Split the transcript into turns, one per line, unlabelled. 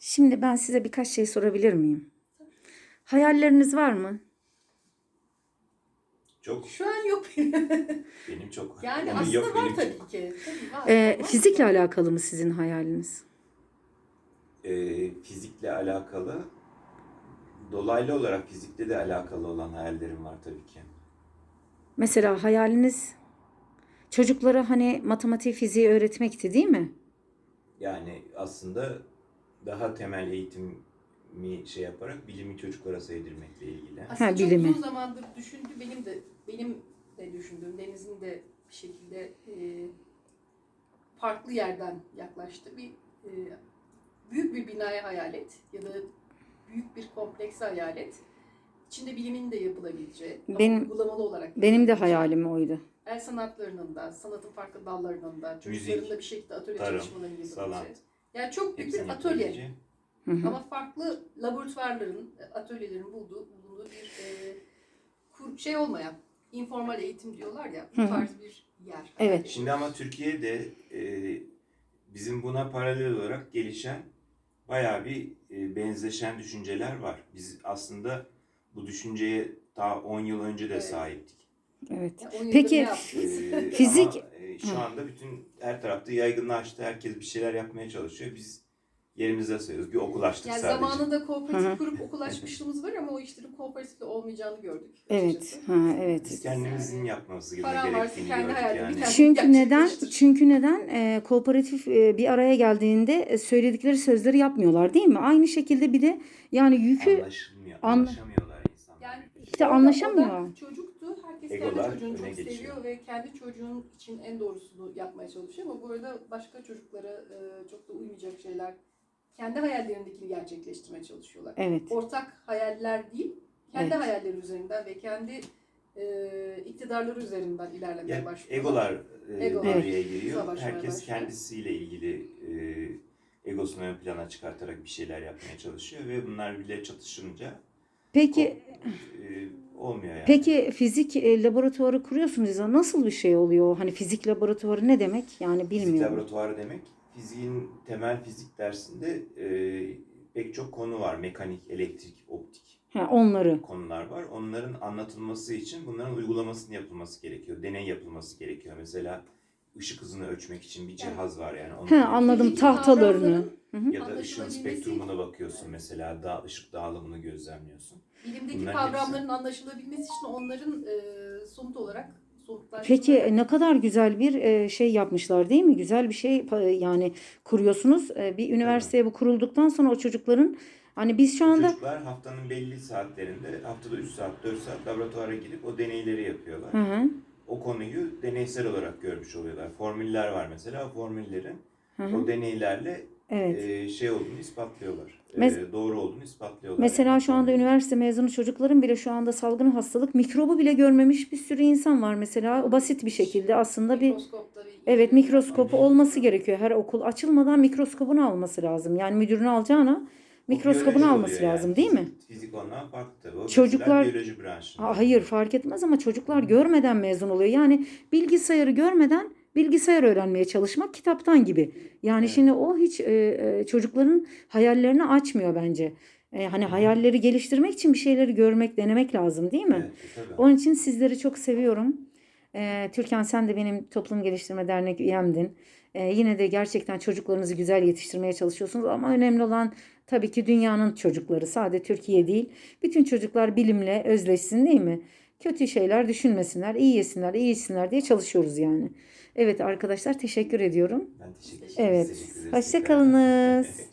Şimdi ben size birkaç şey sorabilir miyim? Hayalleriniz var mı?
Çok.
Şu an yok.
Benim çok.
Yani
Onun
aslında
yok,
var
benim
tabii
çok.
ki. Tabii var. Olmaz
Fizikle
mı?
alakalı mı sizin hayaliniz?
Fizikle alakalı, dolaylı olarak fizikle de alakalı olan hayallerim var tabii ki.
Mesela hayaliniz çocuklara hani matematik, fiziği öğretmekti, değil mi?
Yani aslında daha temel eğitimi şey yaparak bilimi çocuklara sevdirmekle ilgili.
Aslında
Ha,
çok
bilimi.
uzun zamandır düşündü. Benim de düşündüğüm, Deniz'in de bir şekilde farklı yerden yaklaştı. Büyük bir binaya hayal et ya da büyük bir komplekse hayal et. İçinde bilimin de yapılabileceği, ama uygulamalı olarak
Benim de
yapılabileceği,
hayalim oydu.
el sanatlarının da, sanatın farklı dallarının da,
Müzik,
çocukların da bir şekilde atölye
tarım,
çalışmalarını
sanat.
yapabileceği. Yani çok büyük
Hepsini
bir atölye.
yapabileceği.
Hı hı.
Ama farklı laboratuvarların, atölyelerin bulunduğu bir şey olmayan, informal eğitim diyorlar ya,
Hı hı.
bu tarz bir yer.
Evet.
Şimdi ama Türkiye'de bizim buna paralel olarak gelişen bayağı bir benzeşen düşünceler var. Biz aslında bu düşünceye daha 10 yıl önce de
Evet.
sahiptik.
Evet.
Yani 10 yıldır
Peki,
ne yaptınız?
Fizik-
Ama şu anda her tarafta yaygınlaştı. Herkes bir şeyler yapmaya çalışıyor. Biz yerimizde sayıyoruz. Bir okul açtık
Yani
sadece.
zamanında
Hı hı.
kooperatif kurup okul açmışlığımız var ama o işlerin kooperatifle olmayacağını gördük.
Evet.
açıkçası.
Ha, evet.
Biz kendimizin yapması
Paran varsa
gerektiğini
kendi
gördük
hayalini
yani.
kendi-
Çünkü neden?
gerçekleştir.
Çünkü neden? Kooperatif bir araya geldiğinde söyledikleri sözleri yapmıyorlar, değil mi? Aynı şekilde bir de yani yükü
Anlaşamıyorlar insanlar.
Yani
İşte
orada
anlaşamıyor.
odak çocuktu. Herkes
Egolar
kendi çocuğunu
öne
çok
geçiyor.
seviyor ve kendi çocuğun için en doğrusunu yapmaya çalışıyor ama bu arada başka çocuklara çok da uymayacak şeyler, kendi hayallerindekini gerçekleştirmeye çalışıyorlar.
Evet.
Ortak hayaller değil, kendi
Evet.
hayalleri üzerinden ve kendi iktidarları üzerinden ilerlemeye
Yani
başlıyorlar.
egolar
Egolar
devreye giriyor.
savaşmaya
Herkes
başlıyor.
kendisiyle ilgili egosunu ön plana çıkartarak bir şeyler yapmaya çalışıyor ve bunlar bile çatışınca
Peki
olmuyor yani.
Peki fizik laboratuvarı kuruyorsunuz ya, nasıl bir şey oluyor? Hani fizik laboratuvarı ne demek? Yani
Fizik
bilmiyorum.
laboratuvarı demek, fiziğin temel fizik dersinde pek çok konu var. Mekanik, elektrik, optik
Ha, onları.
konular var. Onların anlatılması için bunların uygulamasının yapılması gerekiyor. Deney yapılması gerekiyor. Mesela ışık hızını ölçmek için bir cihaz var yani. Onu
He, anladım,
Fizik
tahtalarını.
kavramların
Hı hı.
Ya da ışığın
anlaşılabilmesi,
spektrumuna bakıyorsun mesela. Işık dağılımını gözlemliyorsun.
bilimdeki
Bunların
kavramların anlaşılabilmesi için onların somut olarak
Peki ne kadar güzel bir şey yapmışlar, değil mi? Güzel bir şey yani kuruyorsunuz. Bir üniversiteye bu kurulduktan sonra o çocukların hani biz şu anda
Çocuklar haftanın belli saatlerinde, haftada 3 saat, 4 saat laboratuvara girip o deneyleri yapıyorlar.
hı hı,
O konuyu deneysel olarak görmüş oluyorlar. Formüller var mesela. O formüllerin
hı hı.
o deneylerle
Evet.
şey olduğunu ispatlıyorlar.
Mes-
Doğru olduğunu ispatlıyorlar.
Mesela
yani
şu anda
formülleri.
üniversite mezunu çocukların bile şu anda salgın hastalık mikrobu bile görmemiş bir sürü insan var mesela. O basit bir şekilde aslında bir evet mikroskopu olması gerekiyor. Her okul açılmadan mikroskopunu alması lazım. Yani müdürünü alacağına
O
mikroskopunu
biyoloji
alması
oluyor
lazım,
yani.
değil mi?
Fizik ondan farklı tabii. O
Çocuklar
biyoloji branşında.
hayır fark etmez ama çocuklar görmeden mezun oluyor. Yani bilgisayarı görmeden bilgisayar öğrenmeye çalışmak kitaptan gibi. Yani
Evet.
şimdi o hiç çocukların hayallerini açmıyor bence. Hani hayalleri geliştirmek için bir şeyleri görmek, denemek lazım, değil mi?
Evet, tabii.
Onun için sizleri çok seviyorum. Türkan, sen de benim Toplum Geliştirme Dernek üyemdin. Yine de gerçekten çocuklarınızı güzel yetiştirmeye çalışıyorsunuz ama önemli olan tabii ki dünyanın çocukları, sadece Türkiye değil. Bütün çocuklar bilimle özleşsin, değil mi? Kötü şeyler düşünmesinler, iyi yesinler, iyi içsinler diye çalışıyoruz yani. Evet arkadaşlar, teşekkür ediyorum.
Ben teşekkür ederim.
Evet,
Teşekkür ederiz
hoşça
tekrardan.
kalınız.